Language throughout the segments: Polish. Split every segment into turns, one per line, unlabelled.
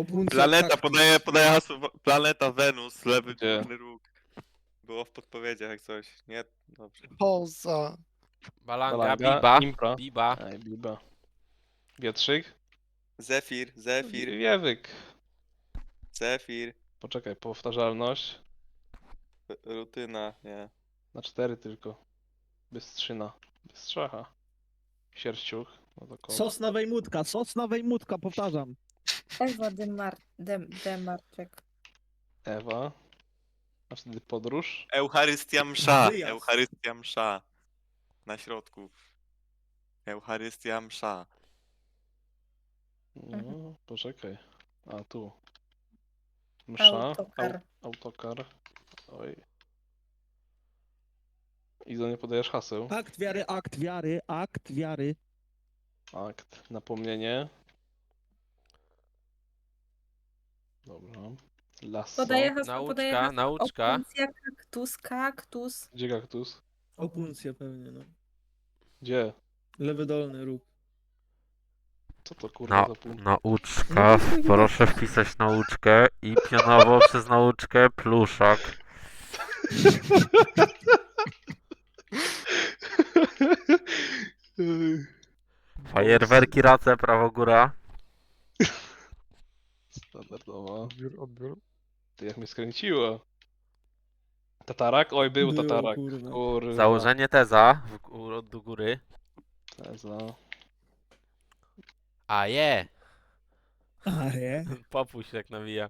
Opuncja
Planeta,
kaktus.
podaję hasło. Planeta Wenus, lewy
Gdzie?
górny róg. Było w podpowiedziach jak coś. Nie? Dobrze.
Poza.
Balanga,
Balanga,
Biba,
Impra.
Biba.
Ej, Biba. Wietrzyk.
Zefir.
Wiewyk.
Zefir.
Poczekaj, powtarzalność.
Rutyna, nie.
Na 4 tylko. Bystrzyna. Bystrzacha. Sierściuch. No to kot.
Sosna wejmutka, powtarzam.
Ewa Demarczyk.
Ewa. A wtedy podróż.
Eucharystia msza.
Wyjazd.
Eucharystia msza. Na środku. Eucharystia msza.
No, poczekaj. A tu. Msza.
Autokar.
Autokar. Oj. Izo, nie podajesz haseł.
Akt wiary.
Akt. Napomnienie. Dobra. Lasso.
Podaję hasło, podaję hasło.
Nauczka.
Opuncja, kaktus.
Gdzie kaktus?
Opuncja pewnie, no.
Gdzie?
Lewy dolny róg.
Co to kurwa za punkt?
Nauczka, proszę wpisać nauczkę i pionowo przez nauczkę pluszak. Fajerwerki, race, prawo góra.
Standardowa.
Odbiór.
Ty jak mnie skręciło. Tatarak? Oj, był
Było,
tatarak.
kurwa.
Kurwa.
Założenie teza do góry.
Teza.
A je!
A je?
Popuść tak nawija.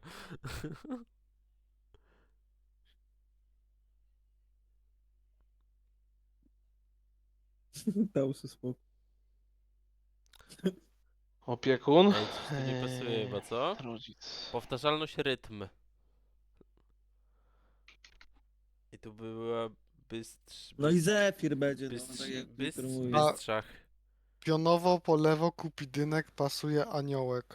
Dał sobie spokój.
Opiekun.
Ej, coś tu nie pasuje chyba, co?
Rodzic.
Powtarzalność rytm. I tu była
No i Zefir będzie, no, tak jak Wiktor mówi.
Bystrzach.
Pionowo, po lewo, kupidynek, pasuje aniołek.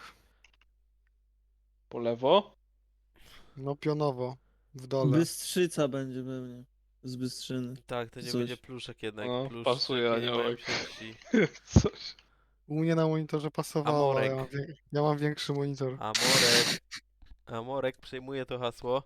Po lewo?
No pionowo. W dole.
Bystrzyca będzie pewnie. Z Bystrzyny.
Tak, to nie
Coś.
będzie pluszek jednak.
No,
Pluszki
pasuje
nie mają
aniołek.
sieci.
Coś.
U mnie na monitorze pasowało, ale
Amorek.
ja mam większy monitor.
Amorek przejmuje to hasło.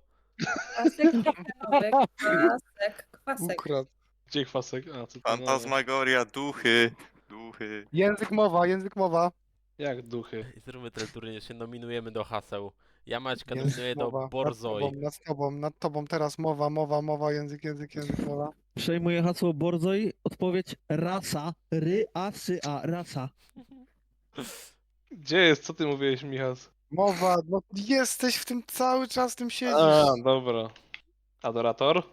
Kwasek.
Ukradł.
Gdzie kwasek? A, co to?
Fantasmagoria, duchy.
Język mowa.
Jak duchy?
I zróbmy ten turniej, się nominujemy do haseł. Ja Maćka
Język
nominuję do
mowa.
Borzoj.
Nad tobą teraz mowa, język, mowa.
Przejmuję hasło Borzoj. Odpowiedź rasa. Rasa.
Gdzie jest? Co ty mówiłeś, Michas?
Mowa, no jesteś w tym cały czas, w tym siedzisz.
A, dobra. Adorator?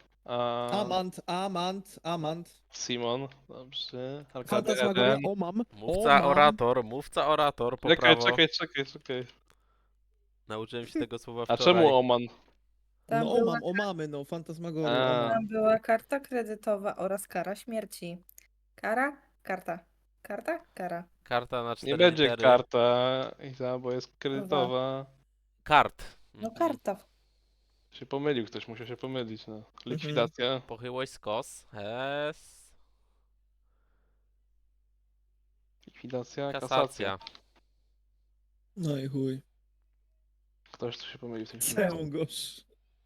Amant.
Simon. Dobrze. Arkady
Fantasmagoria,
Eden.
omam.
Mówca orator, po prawo.
Czekaj.
Nauczyłem się tego słowa
A
wczoraj.
czemu Oman?
Tam,
No
była,
omamy, no. Fantasmagoria,
A.
omam.
tam była karta kredytowa oraz kara śmierci. Karta.
Karta na 4
Nie będzie
litery.
karta, Iza, bo jest kredytowa.
Kart.
No
Mhm.
karta.
Się pomylił, ktoś musiał się pomylić, no. Likwidacja.
Pochyłość skos. S.
Likwidacja, kasacja.
Kasacja.
No i chuj.
Ktoś tu się pomylił w tym
Całą gosz.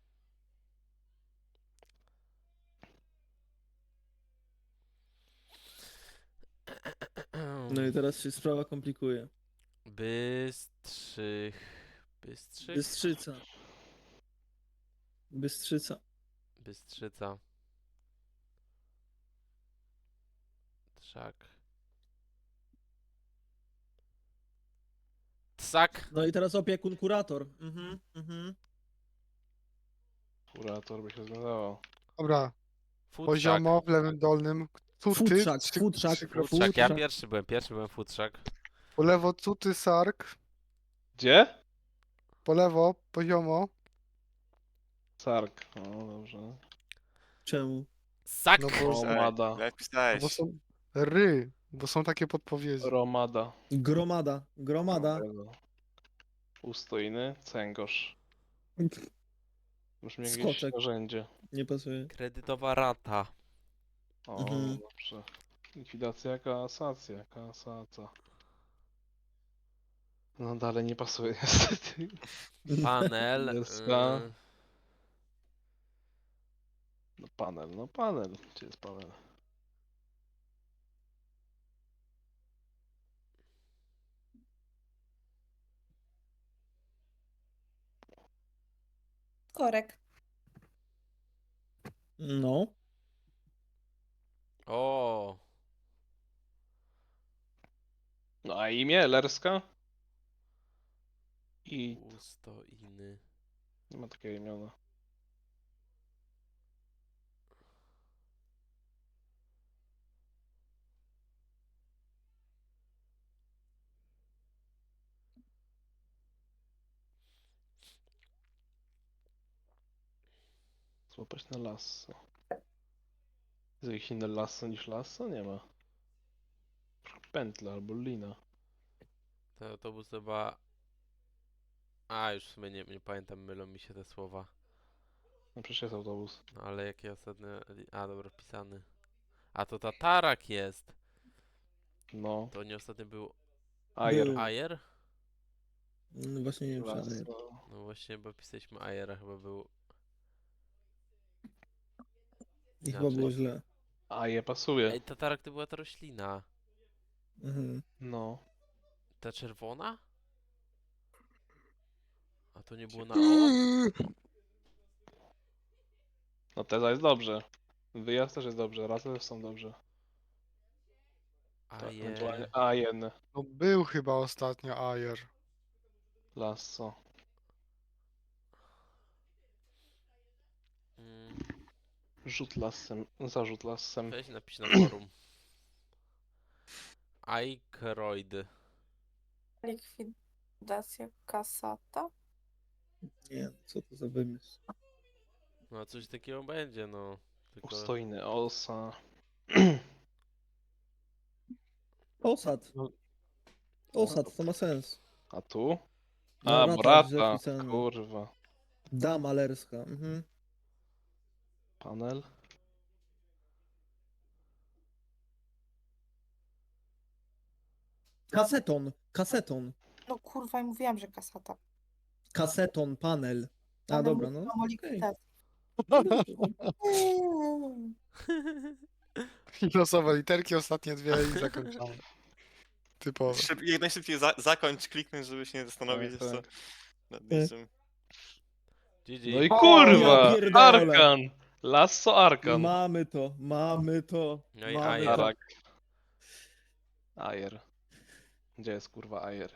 No i teraz się sprawa komplikuje.
Bystrych.
Bystrzyca.
Bystrzyca. Trzak. Tsak.
No i teraz opiekun kurator.
Kurator by się zgadzało.
Dobra,
Futrzak.
poziomo w lewym dolnym. Cuty.
Futrzak.
Futrzak. Ja pierwszy byłem futrzak.
Po lewo cuty, sark.
Gdzie?
Po lewo, poziomo.
Sark. O, dobrze.
Czemu?
Sak.
No bo,
Romada.
Jak pisałeś?
bo są bo są takie podpowiedzi.
Romada.
Gromada.
Ustojny. Cęgosz. Brzmi jakieś
Skoczek.
narzędzie.
Nie pasuje.
Kredytowa rata.
O,
Mhm.
dobrze. Likwidacja, kasacja. No dalej nie pasuje niestety.
Panel.
Nerska. No panel, no panel. Gdzie jest panel?
Korek.
No.
O,
No a imię Lerska? I
ustoiny.
nie ma takiego imiona. Złapać na lasso. Jest jakieś inne lasso niż lasso? Nie ma. Pętla albo lina.
Ten autobus chyba... A, już w sumie nie pamiętam, mylą mi się te słowa.
No przecież jest autobus.
No ale jakie ostatnie... A, dobra, wpisany. A to tatarak jest.
No.
To nie ostatnio był
Ajer.
Był.
Ajer?
No właśnie nie wiem, czy ale-
Lasso.
No właśnie, bo pisaliśmy Ajera, chyba był...
I chyba
inaczej.
było źle.
Aje pasuje.
Ej, tatarak to była ta roślina.
Mhm.
No.
Ta czerwona? A to nie było na O?
No teza jest dobrze. Wyjazd też jest dobrze. Razem też są dobrze. To
Aje...
ewentualnie Ajen.
No był chyba ostatnio Ajer.
Lasso.
Mm,
Rzut lasem. Zarzut lasem.
weź napisz na forum. Aykroyd.
Likwidacja kasata.
Nie, co to za wymysł?
No coś takiego będzie, no. Tylko...
Ustojny osa.
Osad.
No.
Osad, to ma sens.
A tu?
No,
A,
rata źle
brata.
wpisana.
Kurwa.
Dama lerska. Mhm.
Panel.
Kaseton. Kaseton.
No kurwa, ja mówiłam, że kasata.
Kaseton, panel. A
Ale
dobra, no.
mówiłam o
Okej.
likwidacji.
I losowe literki, ostatnie dwie i zakończamy. Typowo.
Jak najszybciej zakończ, kliknąć, żeby się nie zastanowić
Tak,
jeszcze nad niczym.
GG.
No i
ja
kurwa!
pierdolę.
Arkan! Lasso Arkan.
Mamy to, mamy to.
No i
mamy
Ajer.
to.
Arak. Ajer. Gdzie jest kurwa Ajer?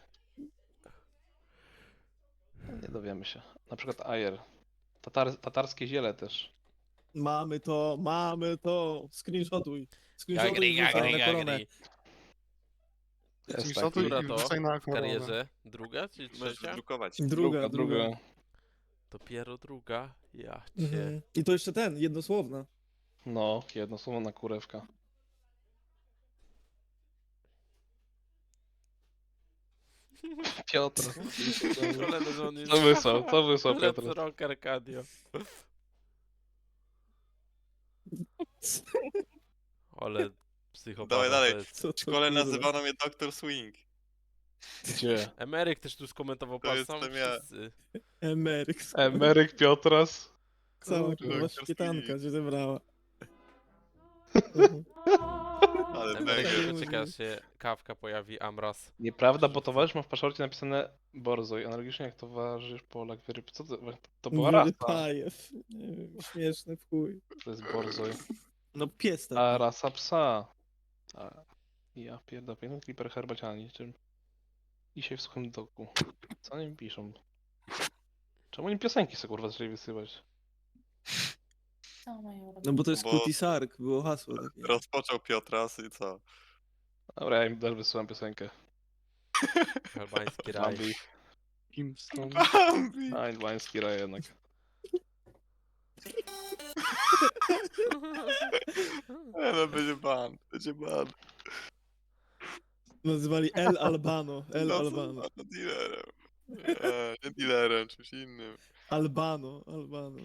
No, nie dowiemy się. Na przykład Ajer. Tatarskie ziele też.
Mamy to, mamy to. Screenshotuj.
Gagry,
Screenshotuj i wrzucaj
gagry,
na koronę.
gagry.
Jest
Screenshotuj
taki.
Która
i
to
wrzucaj na
w
koronę.
karierze? Druga czy
Możesz
trzecia?
wydrukować.
Druga.
Dopiero druga? Ja cię.
Mhm. I to jeszcze ten, jednosłowna.
No, jedno słowo na kurewka. Piotr.
Kolejny, że on jest...
Co wysłał
Let's
Piotr?
rock Arcadio. Ale psychopata
Dawaj dalej.
to jest.
Co to,
W szkole
kurwa?
nazywano mnie Dr. Swing.
Gdzie?
Emeryk też tu skomentował,
To
patrz, sam
jestem ja.
wszyscy.
Emeryk.
Emeryk Piotras.
Cała
Kurde,
kurwa
Dr.
szpietanka
Swing.
się zebrała.
Ale
Emeryk
mega.
się doczeka, aż się kawka pojawi, Amras.
Nieprawda, bo towarzysz ma w paszporcie napisane Borzoj. Analogicznie jak towarzysz Polak Wyryb. Co to była rasa?
Wyrypajew. Nie wiem, śmieszne w chuj.
To jest Borzoj.
No pies taki.
A rasa psa. A, ja pierdolę, jeden kliper herbaciana niczym. I się w suchym doku. Co oni piszą? Czemu oni piosenki sobie kurwa zaczęli wysyłać?
Co mają robić?
No bo to jest
Bo-
Kuti Sark, było hasło takie.
Rozpoczął Piotras i co?
Dobra, ja im też wysyłam piosenkę.
Albański raj.
Bambi.
Kingston.
Bambi!
A, inwański raj jednak.
No będzie ban, będzie ban.
Nazywali El Albano. El
No co
Albano.
za dealerem. Nie dealerem, czymś innym.
Albano. Albano.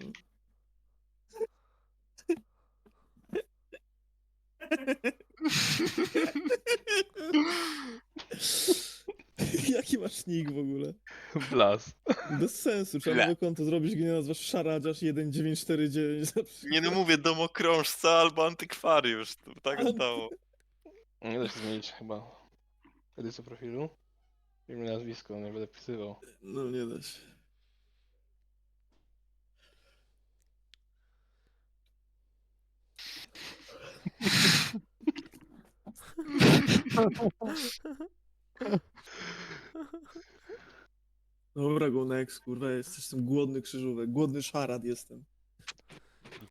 Jaki masz nick w ogóle?
Blas.
Bez sensu, trzeba
Ble.
nowe konto zrobić, gdzie nazwasz szaradziarz 1949 na przykład.
Nie no mówię, domokrążca albo antykwariusz. To tak
Anty-
stało.
Nie da się zmienić chyba edycji profilu. Imię, nazwisko, nie będę pisywał.
No nie da się. Dobra, go next, kurwa, jestem głodny krzyżówek, głodny szarad jestem.